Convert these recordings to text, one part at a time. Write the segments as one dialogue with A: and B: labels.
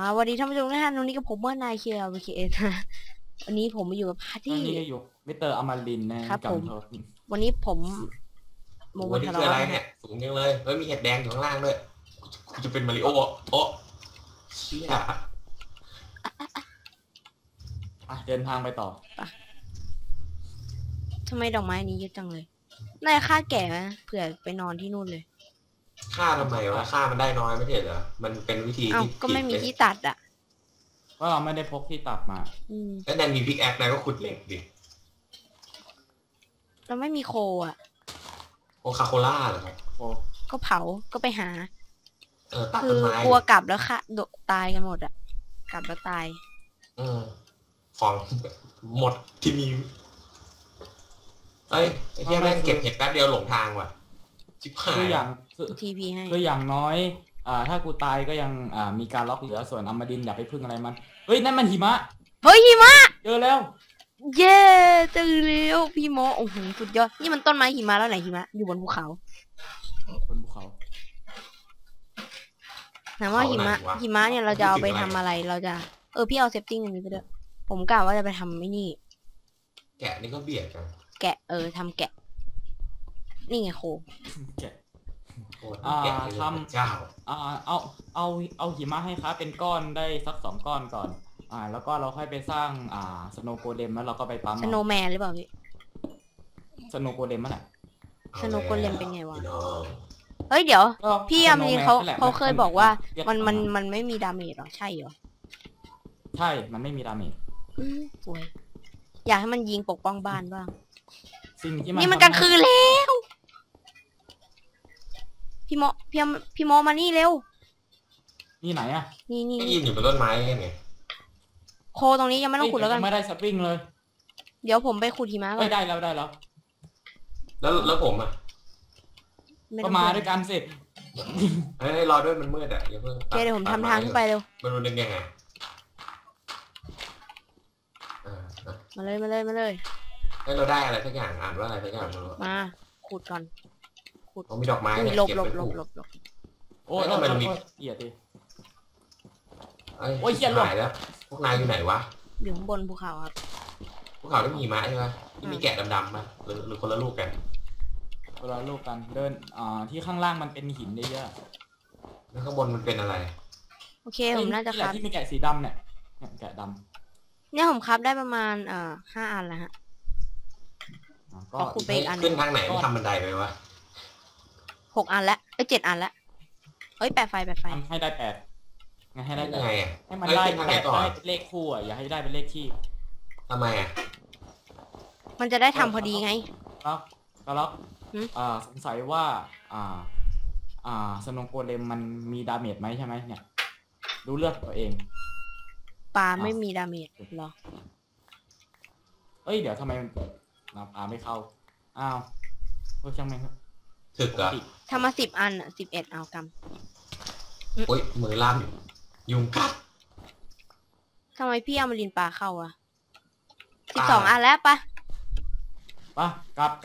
A: สวัสดีท่านผู้ชมทุกท่านวันนี้กับผมว่านายเคียร์วีเคเอนะวันนี้ผมมาอยู่กับพาร์ตี้
B: นี่ก็อยู่มิสเตอร์อมรินทร์นะครับผม
A: วันนี้ผม
C: โอ้นี่คืออะไรเนี่ยสูงยังเลยเฮ้ยมีเห็ดแดงอยู่ข้างล่างด้วยกูจะเป็นมาริโอโอ้เชี่ย
B: เดินทางไปต่อ
A: ทำไมดอกไม้นี้เยอะจังเลยน่าจะฆ่าแก่ไหมเผื่อไปนอนที่นู่นเลย
C: ฆ่าทำไมวะฆ่ามันได้น้อยไม่ใช่เหรอมันเป็นวิธีที่
A: ก็ไม่มีที่ตัดอ่ะ
B: ก็เราไม่ได้พกที่ตัดมา
C: แล้วนายมีพิกแอคนายก็ขุดเหล็กดิ
A: เราไม่มีโคอ่ะ
C: โคคาโคล่าเหรอครับ
A: ก็เผาก็ไปหา
C: ตัด
A: ต้นไม้กลัวกลับแล้วค่ะตายกันหมดอ่ะกลับแล้วตาย
C: ของหมดที่มีไอ้ที่แม่งเก็บเห็ดแป๊บเดียวหลงทางว่ะชิบหาย
B: คืออย่าง
A: ทีพีให้
B: คืออย่างน้อยถ้ากูตายก็ยังมีการล็อกเหลือส่วนอมรินทร์อย่าไปพึ่งอะไรมันเฮ้ยนั่นมันหิมะ
A: เฮ้ยหิมะ
B: เจอแล้ว
A: เย้เจอแล้วพี่โมโอ้โหสุดยอดนี่มันต้นไม้หิมะแล้วไหนหิมะอยู่บนภูเขา
B: บนภูเขา
A: ถามว่าหิมะเนี่ยเราจะเอาไปทำอะไรเราจะพี่เอาเซฟติ้งอันนี้ไปด้วยผมกะว่าจะไปทำไม่นี่
C: แกะนี่ก็เบียดกัน
A: แกะทำแกะนี่ไงโค
B: แกะ
C: ทำเจ้า
B: เอาหิมะให้ครับเป็นก้อนได้สัก2 ก้อนก่อนแล้วก็เราค่อยไปสร้างสโนว์โกเลมแล้วเราก็ไปปั๊ม
A: สโนว์แมนหรือเปล่าพี่
B: สโนว์โกเลมมั้งน่ะ
A: สโนว์โกเลมเป็นไงวะเฮ้ยเดี๋ยวพี่อามีเขาเคยบอกว่ามันไม่มีดาเมจหรอใช่เหรอ
B: ใช่มันไม่มีดาเมจ
A: สวยอยากให้มันยิงปกป้องบ้านบ้าง
B: นี่
A: มันกลางคืนแล้วพี่โมมานี่เร็ว
B: นี่ไหนอ่ะ
A: นี่
C: ยืนอยู่บนต้นไม้ไง
A: โคตรงนี้ยังไม่ต้องขุดแล้วกัน
B: ไม่ได้สปริงเลย
A: เดี๋ยวผมไปขุดหิมะก่อน
B: ได้แล้ว
C: แล้วผมอ่ะ
B: ก็มาด้วยกันสิ
C: ให้รอด้วยมันมืดอ่ะอย่าเพิ่ง
A: เดี๋ยวผมทำทางขึ้นไปเร็ว
C: มันเป็นยังไง
A: มาเลย
C: ให้เราได้อะไรสักอย่างอ่านว่าอะไรสักอย่าง
A: มาขุดก่อนขุด
C: มีดอกไม้
A: หลบ
B: โอ้ยมันมีเหี้ยดิ
C: โอ้ยเหี้ยหายแล้วพวกนายอยู่ไหนวะ
A: อยู่ข้างบนภูเขาครับ
C: ภูเขาไม่มีหิมะใช่ไหมมีแกะดำๆป่ะหรือคนละลูกกัน
B: คนละลูกกันเดินที่ข้างล่างมันเป็นหินเยอะ
C: แล้วข้างบนมันเป็นอะไร
A: โอเคผมน่าจะครับ
B: ที่มีแกะสีดำเนี่ยแกะดำ
A: เนี่ยผมครับได้ประมาณ5 อันแล้วฮะ
C: ก็ขุดไปอีกอันขึ้นทางไหนทำบันไดไปวะ
A: 6 อันแล้ว7 อันแล้วแปะไฟ
B: ให้ได้8ไงให้ได้
C: ไง
B: ให้มันได้เป็นเลขคู่อ่ะอย่าให้ได้เป็นเลขคี่
C: ทำไมอ่ะ
A: มันจะได้ทำพอดีไง
B: แล้วสงสัยว่าสโนว์โกเลมมันมีดาเมจไหมใช่ไหมเนี่ยดูเลือดตัวเอง
A: ปลาไม่มีดาเมจหรอ
B: เดี๋ยวทำไมปลาไม่เข้าช่างแม่งครับ
C: ถึกอะ
A: ทำมา10 อัน11เอากำ
C: โอ้ยมือลั่นยุงกัด
A: ทำไมพี่เอามาลินปลาเข้า12 อันแล้วปะ
B: กลับ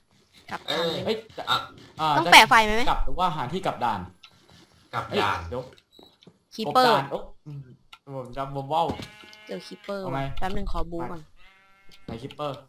A: ต้องแปะไฟไหม
B: กลับหรือว่าหาที่กลับด่าน
C: เดี๋ยว
A: คีเปอร์
B: จำว่าว
A: เจอคีเปอร์แป๊บนึงขอบูก่อน
B: ไหนคีเปอร์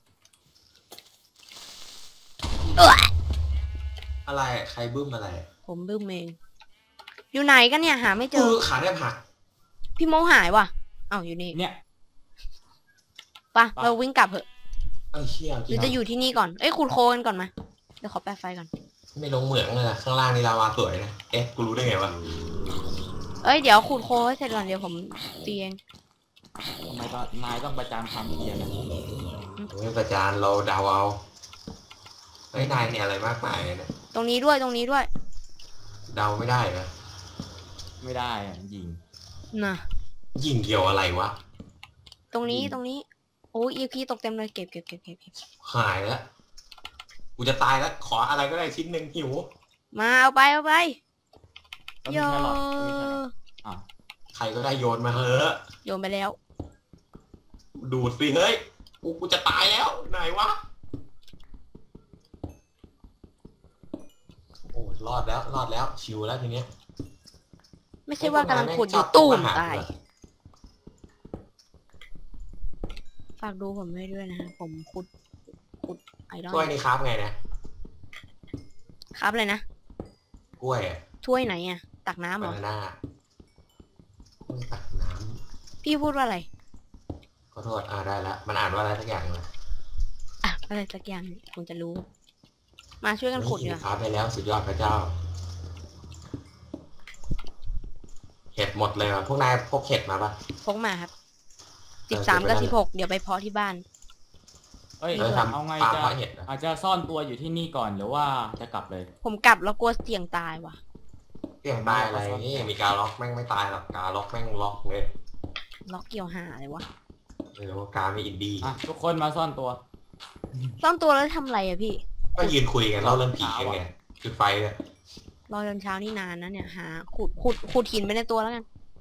C: อะไรใครบึ้มอะไร
A: ผมบึ้มเองอยู่ไหนกันเนี่ยหาไม่เจอ
C: ขาได้ผัก
A: พี่โมหายว่ะอยู่นี่
B: เนี่ย
A: ปะเราวิ่งกลับเถอะ
C: เชี่ย
A: หรือจะอยู่ที่นี่ก่อนขุดโคลนก่อนมาเดี๋ยวขอแปะไฟก่อน
C: ไม่ลงเหมืองเลยนะข้างล่างนี่ลาวาสวยนะกูรู้ได้ไงวะ
A: เดี๋ยวขุดโคลนให้เสร็จก่อนเดี๋ยวผมตีเอง
B: ทำไมนายต้องประจานความเพียรนะ
C: ไม่ประจานเราเดาเอานายเนี่ยอะไรมากมายเนี่ย
A: ตรงนี้ด้วย
C: เดาไม่ได้นะ
B: ไม่ได้ยิง
A: น่ะ
C: ยิงเกี่ยวอะไรวะ
A: ตรงนี้โอ้ยอีพีตกเต็มเลยเก็บ
C: หายแล้วกูจะตายแล้วขออะไรก็ได้ชิ้นหนึ่งหิว
A: มาเอาไปโย
C: ใครก็ได้โยนมาเถอะ
A: โยนไปแล้ว
C: ดูดสิเฮ้ยกูจะตายแล้วไหนวะโอ้รอดแล้วชิวแล้วทีเนี้ย
A: ไม่ใช่ว่ากำลังขุดอยู่ตู้มตายฝากดูผมให้ด้วยนะฮะผมขุดไอรอน
C: ถ้วยนี่ครับไงนะครับ
A: เลยนะ
C: กล้วยอะ
A: ถ้วยไหนอ่ะตักน้ำเหร
C: บา
A: อ
C: นาน่าตักน้
A: พี่พูดว่าอะไร
C: ำขอโทษได้ละมันอ่านว่าอะไรสักอย่างเลย
A: อ่ะอะไรสักอย่างคงจะรู้ มาช่วยกันขุด
C: นี่
A: เนี่ย
C: ครับไปแล้วสุดยอดพระเจ้า เห็ดหมดเลยว่ะพวกนายพกเห็ดมาปะ
A: พกมาครับ13 กับ 16เดี๋ยวไปเพาะที่บ้าน
B: เอ้ย
C: ทำ
B: เอาไง
C: ฟาร์ม
B: จะ
C: เพาะเห็ดนะ
B: อาจจะซ่อนตัวอยู่ที่นี่ก่อนหรือว่าจะกลับเลย
A: ผมกลับแล้วกลัวเสี่ยงตายว่ะ
C: เสี่ยงตายอะไรนี่มีการล็อกแม่งไม่ตายหรอกการล็อกแม่งล็อกเลย
A: ล็อกเกี่ยวหาอะไรวะ
C: ไม่รู้ว่าการมีอินดี้
B: อ่ะทุกคนมาซ่อนตัว
A: ซ่อนตัวแล้วทำอะไรอะพี่
C: ก็ยืนคุยกันเล่าเรื่องผีกันไงจุดไฟเลย
A: รอจนเช้านี่นานนะเนี่ยหาขุดหินไปในตัวแล้วกัน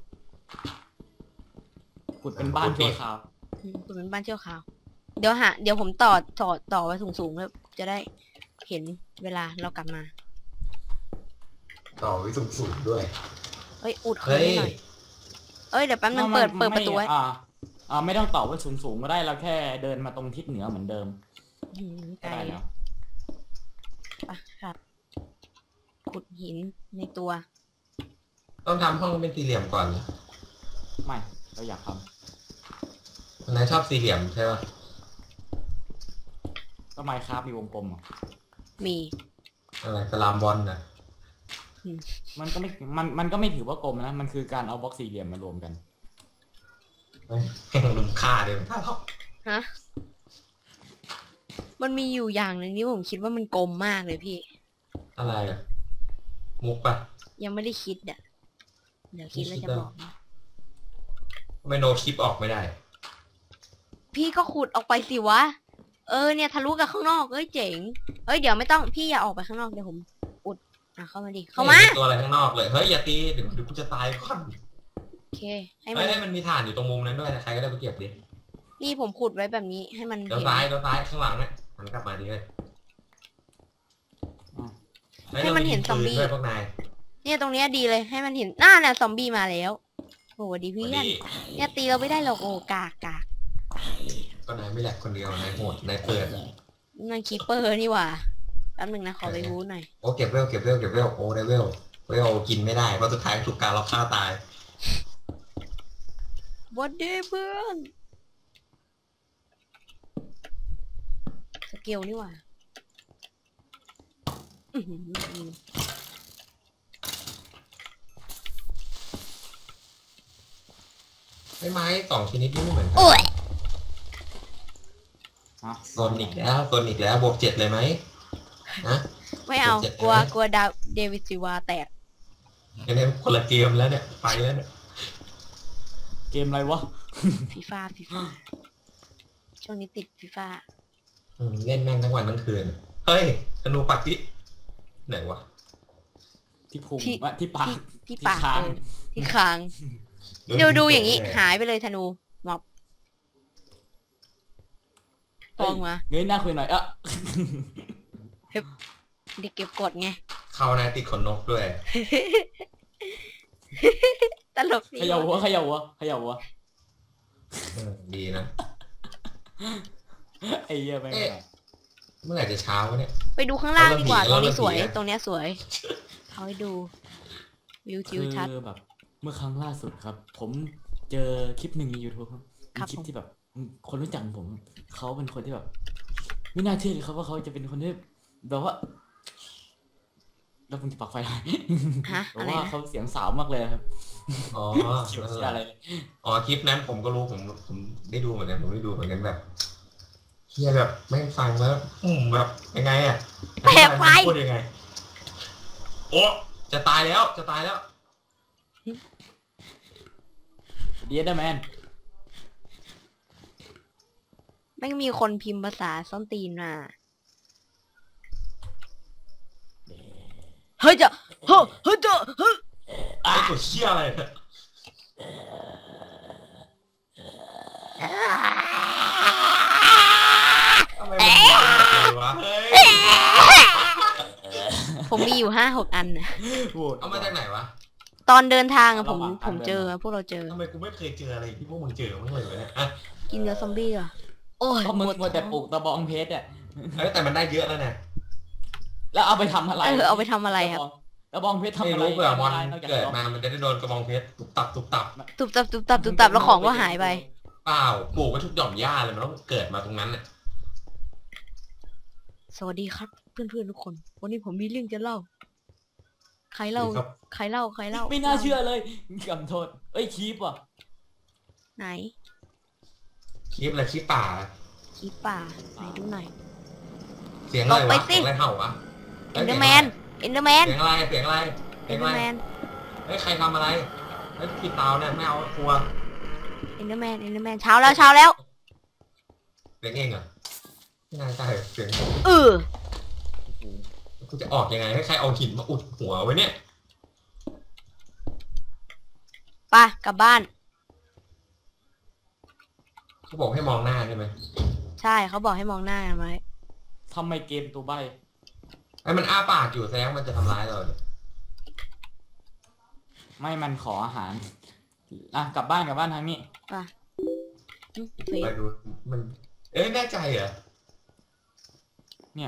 B: ขุดเป็นบ้านชั่วคราว
A: ขุดเป็นบ้านเชี่ยวขาว เดี๋ยวผมต่อไว้สูงๆแล้วจะได้เห็นเวลาเรากลับมา
C: ต่อวิสูงด้วย
A: เอ้ยอุดเขา
C: เฮ้ย
A: ให้หน่อยเอ้ยเดี๋ยวแป๊บนึงเปิดประตูไว้
B: ไม่ต้องต่อไว้สูงๆก็ได้เราแค่เดินมาตรงทิศเหนือเหมือนเดิม
A: ไก
B: ก็
A: ล
B: ได้แล้ว
A: ปะครับ ขุดหินในตัว
C: ต้องทำห้องเป็นสี่เหลี่ยมก่อนเหรอ
B: ไม่เราอยากท
C: นายชอบสี่เหลี่ยมใช่ปะ
B: ำก็ไมค์ครับมีวงกลมอ่ะ
A: มี
C: อะไรสลามบอลนะ
B: มันก็ไม่ถือว่ากลมนะมันคือการเอาบล็อกสี่เหลี่ยมมารวมกัน
C: เฮ้ยแห่งลุมค่าเดียวถ้าเขา
A: ฮะมันมีอยู่อย่างหนึ่งที่ผมคิดว่ามันกลมมากเลยพี่
C: อะไรอะมุกปะ
A: ยังไม่ได้คิดอ่ะเดี๋ยวคิดแล้วจะบอกนะ
C: ไม่โนคลิปออกไม่ได้
A: พี่ก็ขุดออกไปสิวะเนี่ยทะลุกับข้างนอกเอ้ยเจ๋งเอ้ยเดี๋ยวไม่ต้องพี่อย่าออกไปข้างนอกเดี๋ยวผมอุดเข้ามาดิเข้ามา
C: ห็นตัวอะไรข้างนอกเลยเฮ้ยอย่าตีเดี๋ยวกูจะตายก่อน
A: โอเคให้มั
C: เฮ้
A: น
C: ยมันมีฐานอยู่ตรงมุมนั้นด้วยนะใครก็ได้ไปเก็บดิ
A: นี่ผมขุดไว้แบบนี้ให้มัน
C: เดี๋ยว
A: เห็น
C: ซ้ายข้างหลังเนี่ยมันกลับมาดิเลย
A: ให้มันเห็นซอมบี้
C: ด้วยพวกนาย
A: เนี่ยตรงเนี้ยดีเลยให้มันเห็นหน้าน่ะซอมบี้มาแล้วโอ้ดีเพื่อนเนี่ยตีเราไม่ได้หรอกโอ้กาก
C: ก็นายไม่แหลกคนเดียวนายโหดนายเปิด
A: นั่นคีเปอร์นี่หว่าแป๊บนึงนะขอไปบู๊หน่อย
C: โอ้เก็บเวลโอ้ได้เวลกินไม่ได้เพราะสุดท้ายถูกการล็อกฆ่าตาย
A: วันเดย์เพื่อนสเกลนี่หว่าอื้อหือ
C: ไม้สองชนิดนี่ไม่เหมือนกั
A: โอ้ย
C: โซนอีกแล้วบวก7เลยไหมนะ
A: ไม่เอา
C: เจ็บ
A: กลัว
C: ใช่ไหม
A: กลัวดาวเดวิดซิวาแตก
C: อันนี้คนละเกมแล้วเนี่ยไปแล้วเนี่ย
B: เกมอะไรวะ
A: ฟีฟ่าช่วงนี้ติดฟีฟ่า
C: เล่นแม่งทั้งวันทั้งคืนเฮ้ยธนูปักที่ไหนวะ
B: ที่พุงวะที่ปาก
A: ที่ปาก
B: คาง
A: ที่คางดูอย่างนี้หายไปเลยธนูหมอบปองมา
B: เงยหน้าคุยหน่อย
A: เด็กเก็บกดไง
C: เข้านายติดขนนกด้วย
A: ตลก
B: เขย่าหัว
C: ดีนะ
B: ไอ้เหี้ยแม่ง
C: เมื่อไหร่จะเช้าวะเนี่ย
A: ไปดูข้างล่างดีกว่าต
C: เรา
A: รง
C: เริ่
A: นี้
C: ม
A: สวย
C: ผีอะ
A: ตรงเนี้ยสวยเอาให้ดูวิวทิวทัศน์
B: คือแบบเมื่อครั้งล่าสุดครับ ผมเจอคลิปหนึ่งใน YouTube ครับ
A: ครับ
B: คลิปที่แบบคนรู้จักผมเขาเป็นคนที่แบบ ไม่น่าเชื่อเลยครับว่าเขาจะเป็นคนที่แบบว่าแล้วมึงจะปักไฟอะไร
A: ฮะ
B: แต่
A: อะไร
B: ว่า
A: นะ
B: เขาเสียงสาวมากเลยครับ
C: อ๋อ
B: เขียวเชียอะไรเลย
C: อ๋อคลิปนั้นผมก็รู้ผมได้ดูเหมือนกันผมได้ดูเหมือนกันแบบเฮียแบบแม่งฟังแล้วแบบยังไงอะ
A: แปลกไป
C: พูดยังไงโอ้จะตายแล้ว
B: เดียดแมน
A: ไม่มีคนพิมพ์ภาษาส้นตีนมาเฮ้ยจะเฮ้ยจะเฮ้ย
C: ไอ้ตัวเชี่ยอะไรเนี่ยทำไมมันมีแบบเลยวะเฮ้ย
A: ผมมีอยู่5-6 อันนะ
B: โหวต
C: เอามาจากไหนวะ
A: ตอนเดินทางอะผมเจอพวกเราเจอ
C: ทำไมกูไม่เคยเจออะไรที่พวกมึงเจอมั้งเลยวะเนี่ยอ่ะ
A: กินเนื้อซอมบี้เหรอโอ้ย
B: ก็มึง
A: ปวด
B: มัวแต่ปลู
A: ท้อง
B: กตะบองเพชรอ่ะ
C: เอ้ยแต่มันได้เยอะแล้วเนี่ย
B: แล้วเอาไปทำอะไร
A: เอาไปทำอะไรครับ
B: ตะบองเพชรทำ
C: ไม่
B: อะไร
C: รู้เผื่อมอน
B: ทำะไรนอกจาก
C: เกิด
B: ลบ
C: มามันจะได้โดนกระบองเพชรตุบตับตุบตับ
A: ตุบตับตุบตับตุบตับแล้วของก็หายไป
C: เปล่าปลูกไว้ทุกหย่อมหญ้าเลยมันต้องเกิดมาตรงนั้นน่ะ
A: สวัสดีครับ เพื่อนๆทุกคน วันนี้ผมมีเรื่องจะเล่า ใครเล่า
C: ครับ
A: ใครเล่าใครเล่า
B: ไม่น่าเชื่อเลยกำโทษเอ้ยคีบว่ะ
A: ไหน
C: คลิปอะไรคลิปป่า
A: คลิปป่าไหนดูหน่อย
C: เสียงอะไร
A: ตกไป
C: วะ
A: สิ
C: เสียงอะไรเห่าวะ
A: เอนเดอร์แมนเอนเดอร์แมน
C: เสียงอะไรเสียงอะไร
A: เอ
C: เสีย
A: น
C: ง
A: เดอ
C: อะไร
A: ร์แมน
C: เฮ้ยใครทำอะไรเฮ้ยผิดเตาเนี่ยไม่เอากลัว
A: เอนเดอร์แมนเอนเดอร์แมนเช้าแล้วเช้าแล้ว
C: เสียงเองเหรอไม่น่าใช่เสียง
A: เออ
C: กูจะออกยังไงให้ใครเอาหินมาอุดหัวไว้เนี่ย
A: ไปกลับบ้าน
C: เขาบอกให้มองหน้าใช่ไหม
A: ใช่เขาบอกให้มองหน้ากันไว้
B: ทำไมเกมตัวใบ
C: ไอ้มันอ้าปากอยู่แสดงว่ามันจะทำร้ายเราเนี่ย
B: ไม่มันขออาหารอ่ะกลับบ้านทางนี้
A: ไปเฟ
C: ไป
A: ซ
C: ดูมันเอ้ยแน่ใจเหรอ
B: เนี่ย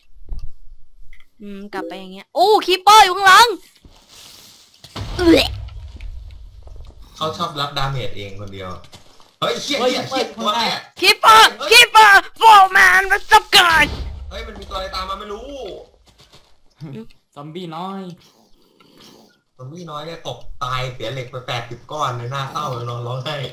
A: กลับไปอย่างเงี้ย โอ้คีปเปอร์อยู่ข้างหลังเอ้ย
C: เขาชอบรับดาเมจเองคนเดียวเฮ้ยเชี่ยเชี่ยเชี่ยตัวอะไรอะ
A: คีปเปอร์โฟร์แมนมาสับกัน
C: เฮ้ยมันมีตัวอะไรตามมาไม่รู้
B: ซอมบี้น้อย
C: ซอมบี้น้อยเนี่ยตกตายเสียเหล็กไป80 ก้อนในหน้าเศร้าเลยนอนร้องไห้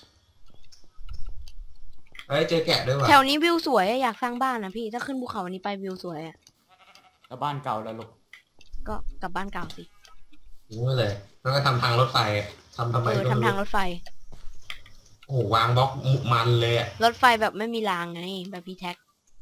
C: เฮ้ยเจอแกะด้วยว่ะ
A: แถวนี้วิวสวยอะอยากสร้างบ้านนะพี่ ถ้าขึ้นภูเขาวันนี้ไปวิวสวยอะ
B: แล้วบ้านเก่าแล้วลูก
A: ก็กลับบ้านเก่าสิ
C: รู้เลยแล้วก็ทำทางรถไฟทำไมก็ไม่
A: ทำทางร
C: รู้
A: ถไฟ
C: โอ้โหวางบล็อกมันเลยอะ
A: รถไฟแบบไม่มีรางไง แบบพี่แท็ก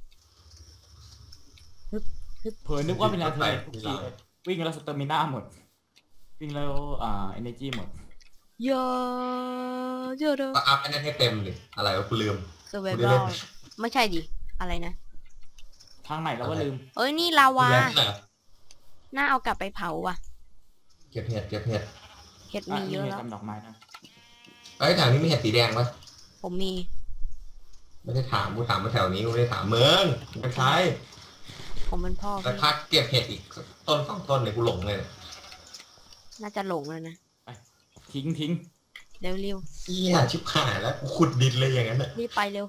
B: เผลอนึกว่าเป็นอะไรทุกทีเลยวิ่งแล้วสเตอร์มิน่าหมด วิ่งแล้วเอเนจีหมด
A: เยอะเยอะเด้อ
C: ก็อัพอันนั้นให้เต็มเลยอะไรวะกูลืม
A: เซอร์ไวเวลไม่ใช่ดิ อะไรนะ
B: ทางไหนแล้วว่าลืม
A: เอ้ยนี่ลาวา
C: แล้วเหรอ
A: น่าเอากลับไปเผาว่ะ
C: เก็บเห็ดเก็บเห็ด
A: เห็ดมีเยอะ
B: นี่
A: แล้ว
B: ทำดอกไม้นะ
C: เอ้ยแถวนี้มีเห็ดสีแดงปะ
A: ผมมี
C: ไม่ได้ถามกูถามมาแถวนี้กูไม่ได้ถามเมืองไม่ใช่
A: ผมเป็นพ่อ
C: แต่
A: พี่
C: พักเก็บเห็ดอีกต้น2 ต้นเนี่ยกูหลงเลย
A: น่าจะหลงแล้วนะ
B: ทิ้ง
A: เร็ว
C: เฮียชิบหายแล้วกูขุดดินเลยอย่างนั้นน่ะ
A: รีบไปเร็ว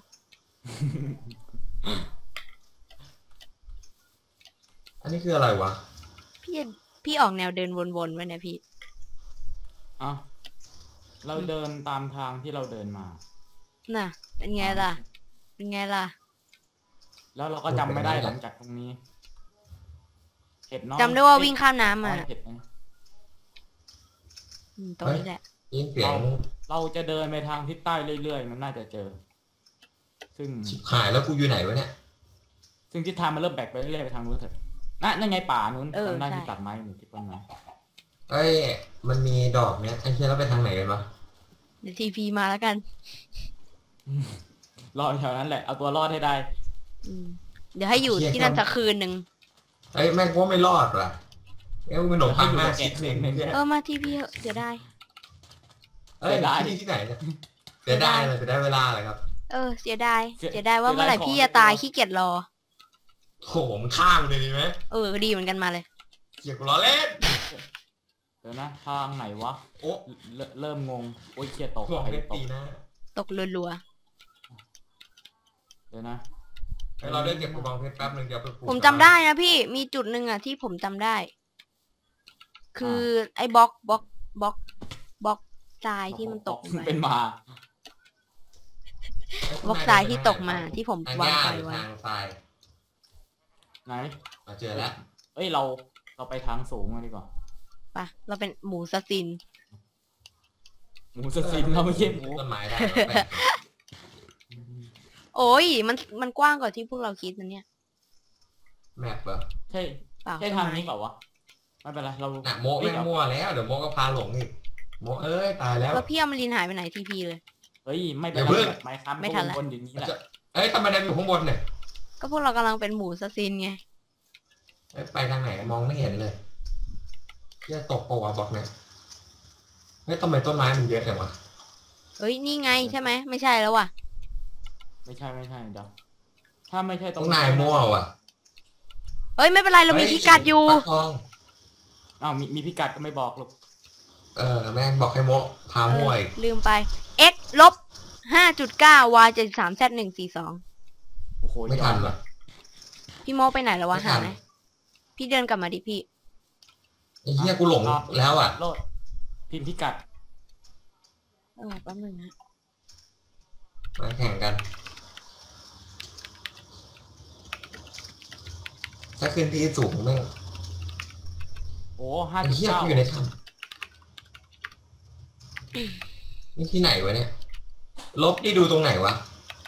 C: อันนี้คืออะไรวะ
A: พี่ออกแนวเดินวนๆไว้นะพี่
B: อ่ะเราเดินตามทางที่เราเดินมา
A: น่ะ เป็นไงล่ะ เป็นไงล่ะ
B: แล้วเราก็จำไม่ได้หลังจากตรงนี้เห็ดน้อย
A: จำได้ว่าวิ่งข้ามน้ำมา
B: เห็ดนะ
A: ตรงนี้แหละ
C: ยินเสียง
B: เราจะเดินไปทางทิศใต้เรื่อยๆ มันน่าจะเจอ ซึ่ง
C: ชิบหายแล้วกูอยู่ไหนวะเนี่ย
B: ซึ่งทิศทางมันเริ่มแบกไปเรื่อยๆไปทางนู้นเถอะนั่นไงป่านู้น
A: เออ
B: จำได้
A: ใช่
B: ที่ตัดไม้หรือที่ต้นไม้
C: เอ้ยมันมีดอกเนี้ยไอ้เชี่ยแล้วไปทางไหนกันวะ
A: เดี๋ยวทีพีมาแล้วกัน
B: รอแถวนั้นแหละ เอาตัวรอดให้ได้
A: อืมเดี๋ยวให้อยู่ที่นั่นสักคืนหนึ่ง
C: เอ้ยแม่งกูว่าไม่รอดว่ะเอ้ยกูเป็นหนมปังหน้าชิดเองเนี่ย
A: มาทีพีเถอะเสียดาย
C: เอ้ยที่ไหนเนี่ยเสียดายเลยเสียดายเวลาเลยครับ
A: เสียดาย เสียดายว่าเมื่อไหร่พี่จะตายขี้เกียจรอ
C: โหมันข้ามเลยดีไหม
A: ดีเหมือนกันมาเลย
C: เกียกูล้อเล่น
B: เดี๋ยวนะทางไหนวะ
C: โอ้
B: เริ่มงง โอ้ยเครียดตก
C: หลอก
B: ใคร
C: เพชร
B: ต
C: ตี
B: ก
C: หน้า
A: ตกรัว
B: เดี๋ยวนะ
C: เฮ้ยเราได้เก็บกระบองเพชรแป๊บนึงเดี๋ยวไปปลูก
A: ๆผมจำได้นะพี่ มีจุดหนึ่งอ่ะที่ผมจำได้ คือไอ้บล็อกทรายที่มันตกไป
B: เป็นหมา
A: บล็อกทรายที่ตกมาที่ผม
C: ทาง
A: วาง
C: หญ้า
A: ไฟ
C: หรือ
A: ไว้
C: ทางทราย
B: ไหน
C: มาเจอแล้ว
B: เอ้ยเราไปทางสูงมาดีกว่า
A: ปะเราเป็นหมูสซิน
B: หมูสซินเราไม่ใช่หมู
C: ต้นไม้ได้แล้วแปลก
A: โอ้ยมันกว้างกว่าที่พวกเราคิดนะเนี่ย
C: แมปเหรอ
B: ใช่
A: เปล่า
B: ใช่ทางนี้เปล่าวะ ไม่เป็นไร เรา
C: น่ะโมแม่งมั่วแล้วเดี๋ยวโมก็พาหลงอีกโมเอ้ยตายแล้ว
A: แล้วพี่อมรินทร์หายไปไหนทีพีเลย
B: เฮ้ย ไม่เป็น
C: อย่า
B: ไร
C: เพิ่ง
B: ไม้ค้ำ
A: ไม่ทันละ
B: บนอย่างนี้แหละ
C: เอ้ยทำไมได้อยู่ข้างบนเนี่ย
A: ก็พวกเรากำลังเป็นหมูสซินไง
C: เอ้ยไปทางไหนมองไม่เห็นเลยจะตกปะวะบอกเนี่ยเฮ้ยทำไมต้นไม้มันเยอะจังวะ
A: เฮ้ยนี่ไงใช่ไหมไม่ใช่แล้วว่ะ
B: ไม่ใช่เดี๋ยวถ้าไม่ใช่ต
C: ต
B: ร
C: รง งนายมั่วว่ะ
A: เฮ้ยไม่เป็นไรเรามีพิกัดอยู่
C: ปลาทอง
B: อ้าวมีพิกัดก็ไม่บอกหรอก
C: แม่งบอกให้โมพามั่วอีก
A: ลืมไป x ลบ5.9 y 73 z 142
B: โอ้โห
C: ไม่ทันว่ะ
A: พี่โมไปไหนแล้ววะ
C: ไม่ทั
A: หาน ไหมพี่เดินกลับมาดิพี่
C: ไอ้เหี้ยกูหลงแล้วอ่ะ
B: โลดพิมพ์พิกัด
A: แป๊บนึงนะ
C: มาแข่งกัน ถ้าขึ้นที่สูงแม่ง
B: โอ้
C: ไอ้เหี้ย
B: 5.9
C: กูอยู่ในถ้ำนี่ที่ไหนวะเนี่ย ลบที่ดูตรงไหนวะ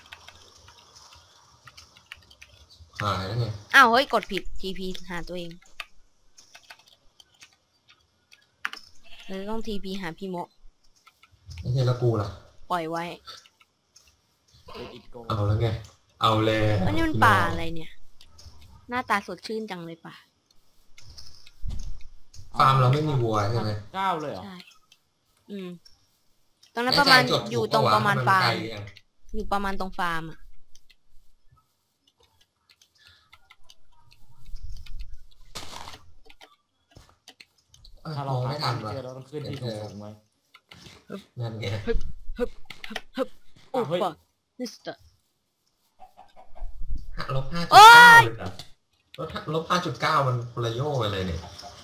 C: หายแล้วไง
A: อ้าวเฮ้ยกดผิด TP หาตัวเองเราต้อง TP หาพี่โม
C: ไอ้เหี้ยแล้วกูล่ะ
A: ปล่อยไว้
C: เอาแล้วไง เอาเลย
A: อันนี้มันป่าอะไรเนี่ย หน้าตาสดชื่นจังเลยป่า
C: ฟาร์มเราไม่มีวัวใช่ไหม
B: 9เลยเหรอ
A: ใช่ตรงนั้นประมาณ
C: แน่ใจจด
A: อยู่ตรงประมาณ
C: ถูก
A: ฟา
C: ปะ
A: ร์
C: วะ
A: ม
C: นไกลยัง
A: อยู่ประมาณตรงฟาร์มอ่ะ
B: ถ้าเรา
C: มอง
B: หา
C: ไม่ทัน
B: เจ
C: ว่ะ
B: อเราต้องขึ้นที่สูงๆไว้
C: นั่นไง
A: โอ้
B: เฮ้ย
A: ปะนิสเตอร์
C: ลบ
A: โอ๊ย
C: 5.9เลยเหรอลบ 5.9 มันคนละโย่ไปเลยเนี่ย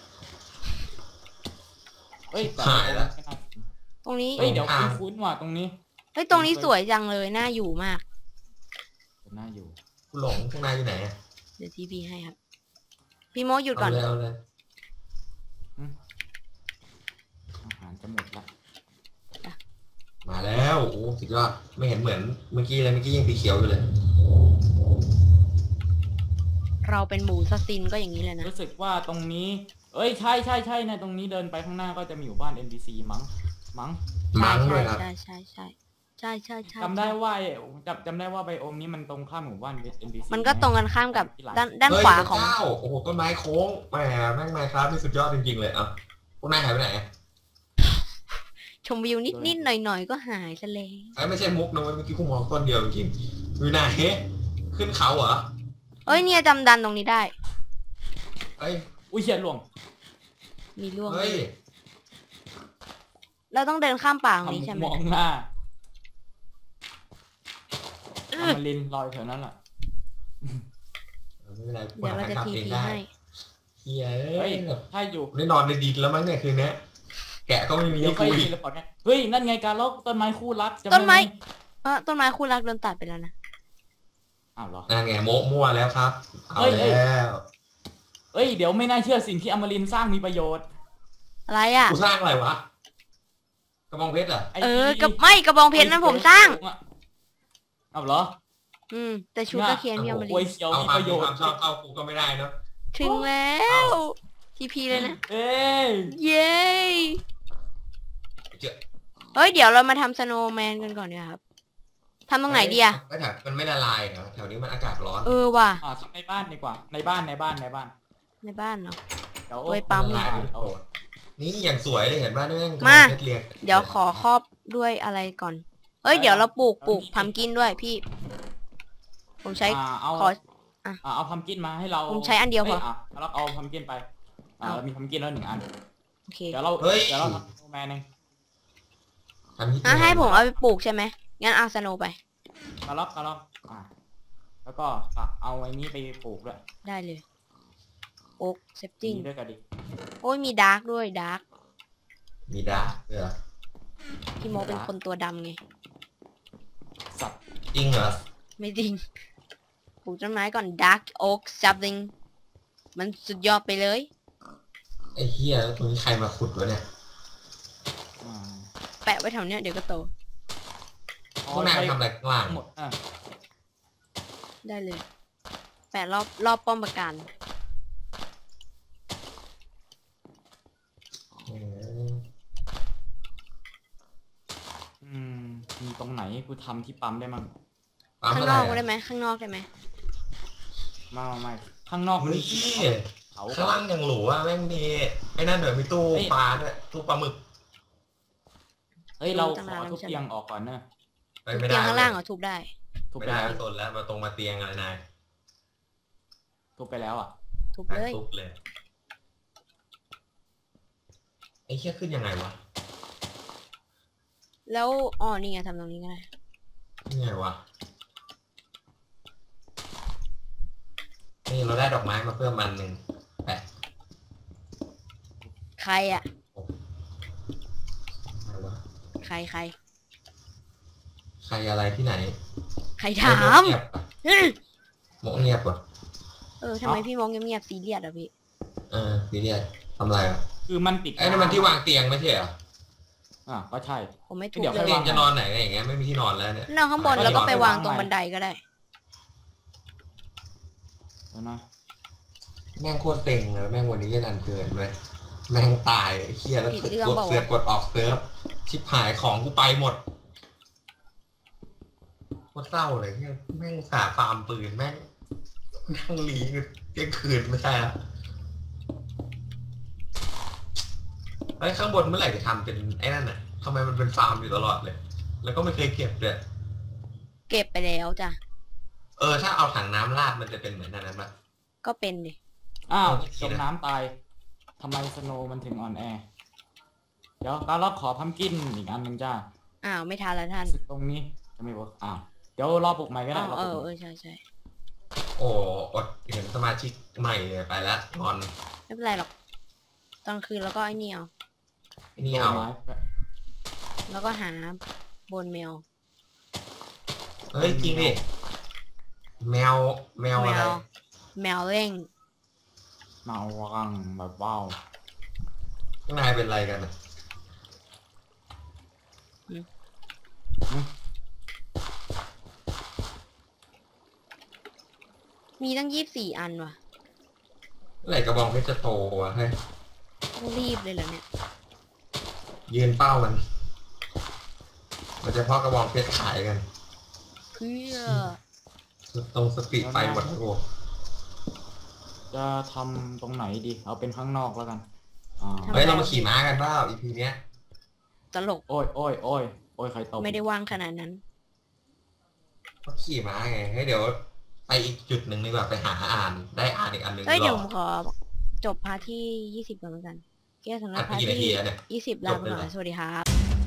B: เฮ้ยแต่
C: หายละ
A: ตรงนี้
B: เฮ้ยเดี๋ยวคุ้นๆว่ะตรงนี้
A: เฮ้ยตรงนี้สวยจังเลยน่าอยู่มาก
B: น่าอยู่
C: กูหลงข้างในอยู่ไหนอะ
A: เดี๋ยว TP ให้ครับ พี่โมหยุดก่อน
C: เอาเลย
B: อาหารจะหมดละ
C: มาแล้วโอ้สุดยอดไม่เห็นเหมือนเมื่อกี้เลยเมื่อกี้ยังสีเขียวอยู่เลย
A: เราเป็นหมูซัสซินก็อย่างนี้เลยนะ
B: รู้สึกว่าตรงนี้เอ้ยใช่นะตรงนี้เดินไปข้างหน้าก็จะมีหมู่บ้าน NPC มั้ง
C: มั้งด้วยครับ
A: ใช่
B: จำได้ว่าจำได้ว่าไบโอมนี้มันตรงข้ามหมู่บ้าน NPC
A: มันก็ตรงกันข้ามกับด้านขวาของ
C: เฮ้ยโอ้โหต้นไม้โค้งแหมแม่งไมค์ครับนี่สุดยอดจริงๆเลยอ่ะพวกนายหายไปไหน
A: ชมวิวนิดๆหน่อยๆก็หายซะแล้ว
C: ไอ้ไม่ใช่มุกนะเว้ยเมื่อกี้กูมองต้นเดียวจริงๆอยู่ไหนขึ้นเขาเหรอ
A: เอ้ยเนี่ยจำดันตรงนี้ได้
C: เอ้ย
B: อุ้ยเฉียดหลวง
A: มีร่วง
C: เฮ้ย
A: เราต้องเดินข้ามป่าตรงนี้ใช่ไหม
B: มองหน้าอมรินทร์ลอยแถวนั้นแหละ
C: ไม่เป็นไร
A: เดี๋ยวเราจะ TP ให้
C: เฮีย
B: เฮ้ยถ้าอยู่
C: ได้นอนในดินแล้วมั้งเนี่ยคืนนี้แกะก็ไม่มี
B: เดี๋ยว
C: ให้
B: ค่อย
C: คุย
B: ทีละพอร์ตไงเฮ้ยนั่นไงการลกต้นไม้คู่รักจำด้
A: ต้นไม้
B: ห
A: ต้นไม้คู่รักโดนตัดไปแล้วนะ
B: อ้าวเหรอ
C: นั่นไงโมมั่วแล้วครับเอา
B: เฮ้ย
C: แล้ว
B: เอ้ยเดี๋ยวไม่น่าเชื่อสิ่งที่อมรินทร์สร้างมีประโยชน์
A: อะไรอ่ะ
C: กูสร้างอะไรวะกระบองเพชรเหรอ
B: ไอ้
A: กับไม่กระบองเพชรนั้นผมสร้าง
B: อ้าวเหรอ
A: แต่ชุดตะเคียนพี่เอามา
B: โอ้ย
A: ลี
B: เขียว
C: เอา
B: มี
C: ความ
B: ประโยชน์
C: ความชอบเข้ากูก็ไม่ได้เนาะ
A: ถึงแล้วทีพีเลยนะ
B: เอ้ย
A: เย้
C: เจอ
A: เฮ้ยเดี๋ยวเรามาทำสโนว์แมนกันก่อนดีกว่าครับทำตรงไหนดีอะ
C: แถวมันไม่ละลายเหรอแถวนี้มันอากาศร้อน
A: ว่ะ
B: ทำในบ้านดีกว่าในบ้าน
A: ในบ้านเนาะ
B: เดี๋ยว
A: โอ้ยปั๊ม
C: ละลายโอ้นี่อย่างสวยเลยเห็นป่ะนี่
A: มา
C: เพชรเรียง
A: เดี๋ยวขอครอบด้วยอะไรก่อนเฮ้ยเดี๋ยวเราปลูกพัมกินด้วยพี่ ผมใช้
B: เอา
A: ขอ
B: เอาพัมกินมาให้เรา
A: ผมใช้อันเดียวพอ
B: เราเอาพัมกินไปเรามีพัมกินแล้ว1 อัน
A: โอเค
B: เดี๋ยวเราทำโนแมนเอง
C: ทำที่
A: ให้ผมเอาไปปลูกใช่ไหมงั้นเอาสโนว์ไป
B: กระลอกแล้วก็เอาไอ้นี้ไปปลูกด้วย
A: ได้เลยโอ๊กเซฟติ้ง
B: ด้วยกันดิ
A: โอ้ยมีดาร์กด้วยดาร์ก
C: มีดาเหรอ
A: พี่โมเป็นคนตัวดำไง
B: สัตว์
C: จริงเหรอ
A: ไม่จริงปลูกต้นไม้ก่อน dark oak something มันสุดยอดไปเลย
C: ไอ้เหี้ยตรงนี้ใครมาขุดวะเนี่ย
A: แปะไว้แถวเนี้ยเดี๋ยวก็โต
C: พวกนายทำอะไรข้างล่าง
B: หมด
A: ได้เลย แปะรอบป้อมปราการ
B: มีตรงไหนกูทำที่ปั๊มได้มั้ง
A: ข้างนอกได้ไหมข้างนอกได้ไหม
B: ไม่ข้างนอก
C: เฮ้ย
B: เขา
C: ข้างล่างยังหรูอ่ะแม่งมีไอ้นั่นเดี๋ยวมีตู้ปลาด้วยตู้ปลาหมึก
B: เฮ้ยเราขอทุบเตียงออกก่อนเนอะ
C: ไปไม่
A: เตี
C: ได้
A: ยงข้างล่างเหรอทุบได้
B: ททุบ
C: ไม่
B: ไป
C: ได้
B: แล้ว
C: ไม่สนแล้วมาตรงมาเตียงอะไรนาย
B: ทุบไปแล้วอ่ะ
A: ทุบ
C: นาย
A: เลย
C: ทุบเลยไอ้เหี้ยขึ้นยังไงวะ
A: แล้วอ๋อนี่ไงทำตรงนี้ก็ได้
C: นี่ไงวะนี่เราได้ดอกไม้มาเพิ่มมันหนึ่งแปะ
A: ใครอ่ะ
C: อะไรวะ
A: ใคร
C: ใครอะไรที่ไหน
A: ใครถาม
C: เงียบปะโมเงียบปะ
A: ทำไมพี่มองเงียบๆซีเรียสอ่ะพี่
C: พี่เนี่ยทำอะไรอ่ะ
B: คือมันติด
C: ไอ้นั่นมันที่วางเตียงไม่ใช่เหรอ
B: ก็ใช่
A: ผมไม่ทุบ
B: เดี๋ยว
A: เล
B: ค่อย
C: เตีย
B: วาง ง
C: จะนอนไหนกันอย่างเงี้ยไม่มีที่นอนแล้วเนี่ย
A: นอนข้างบน
B: ก็
A: แล้วก็ไป
B: เดี๋ยว
A: วางตรง
B: วางใหม่
A: บันไดก็ได้
B: เดี๋ยวนะ
C: แม่งโคตรเต็งเลยแม่งวันนี้จะนันเกินเลยแม่งตายไอ้เคียแล้ว
A: ผิดเรื่อง
C: กด
A: เปล่าวะ
C: เสือกกดออกเซิร์ฟชิบหายของกูไปหมดโคตรเศร้าเลยเนี่ยแม่งสาฟาร์มปืนแม่งนั่งหลีเที่ยงคืนไม่ใช่ละไอ้ข้างบนเมื่อไหร่จะทำเป็นไอ้นั่นน่ะทำไมมันเป็นฟาร์มอยู่ตลอดเลย แล้วก็ไม่เคยเก็บเลย
A: เก็บไปแล้วจ้ะ
C: ถ้าเอาถังน้ำราดมันจะเป็นเหมือนนั้นปะ
A: ก็เป็นดิ
B: อ้าว
C: เอาอีกที
B: จม
C: นะ
B: น้ำตายทำไมสโนว์มันถึงอ่อนแอ เดี๋ยวการล็อกขอพัมกินอีกอันหนึ่งจ้า
A: อ้าวไม่ทันละท่าน
B: ตรงนี้จะไม่เวิร์กเดี๋ยวรอปลุกใหม่ก็ได้รอปลุกใหม่
A: ใช่
C: โอ้อดเห็นสมาชิกใหม่เลยไปแล้วงอน
A: ไม่เป็นไรหรอกตอนคืนแล้วก็ไอ้นี่เอา
C: ไอ้นี่เอา
B: ไม้
A: แล้วก็หาบนแมว
C: เฮ้ยจริงดิแมวอะไร
A: แมวเร่ง
B: เมาวังแบบว้าว
C: ข้างในเป็นอะไรกันอะ
A: มีตั้ง24 อันว่ะ
C: เมื่อไหร่กระบองเพชรจะโตวะเฮ้ย
A: ต้องรีบเลยเหรอเนี่ย
C: ยืนเป้ามันจะเพาะกระบองเพชรขายกัน
A: เพื่อ
C: ตรงสปีดไฟหมดโอ้
B: จะทำตรงไหนดี เอาเป็นข้างนอกแล้วกัน
C: เฮ้ยเรามาขี่ม้ากันเปล่า EP เนี้ย
A: ตลก
B: โอ้ยใครตบ
A: ไม่ได้ว่างขนาดนั้น
C: ก็ขี่ม้าไงเฮ้ยเดี๋ยวไปอีกจุดหนึ่งดีกว่าไปหาอ่านได้อ่านอีกอันหนึ่ง
A: เอ้ย
C: หร
A: เดี๋ยว
C: อ
A: ผมขอจบพาร์ทที่ 20ก่อนแล้วกันแก้สำหรับ
C: อ่ะ
A: พาร์ท
C: กี่นาที
A: ที่
C: แล้วเนี่ย
A: 20ลาไปก่อน
C: จบเลยเหรอ
A: สวัสดีครับ